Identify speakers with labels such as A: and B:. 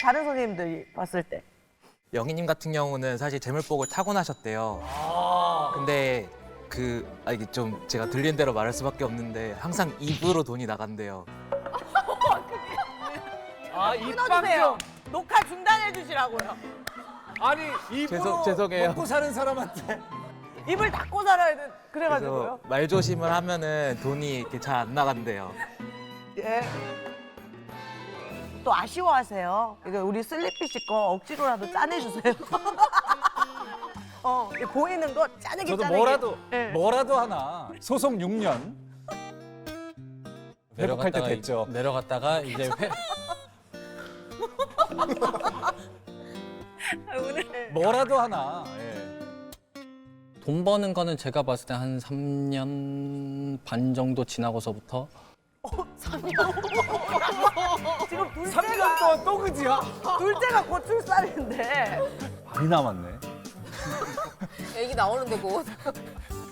A: 다른 선생님들이 봤을 때.
B: 영희님 같은 경우는 사실 재물복을 타고나셨대요. 근데 이게 좀 제가 들린 대로 말할 수밖에 없는데 항상 입으로 돈이 나간대요.
A: 끊어주세요. 녹화 중단해 주시라고요.
C: 아니 입으로
B: 죄송해요.
C: 먹고 사는 사람한테
A: 입을 닫고 살아야 돼.
B: 그래서
A: 그래가지고요.
B: 말조심을 하면은 돈이 이렇게 잘 안 나간대요.
A: 예. 또 아쉬워하세요. 이거 우리 슬리피 씨 거 억지로라도 짜내주세요. 이게 보이는 거 짜내기
C: 저도
A: 짜내기. 예.
C: 뭐라도 하나 소송 6년 회복할 때 됐죠.
D: 내려갔다가 이제
A: 오늘
C: 뭐라도 하나. 예.
D: 돈 버는 거는 제가 봤을 때 한 3년 반 정도 지나고서부터
A: 3년. 지금
C: 3년 동안 또 그지야?
A: 둘째가 곧 출산인데.
C: 많이 남았네.
E: 애기 나오는데 곧.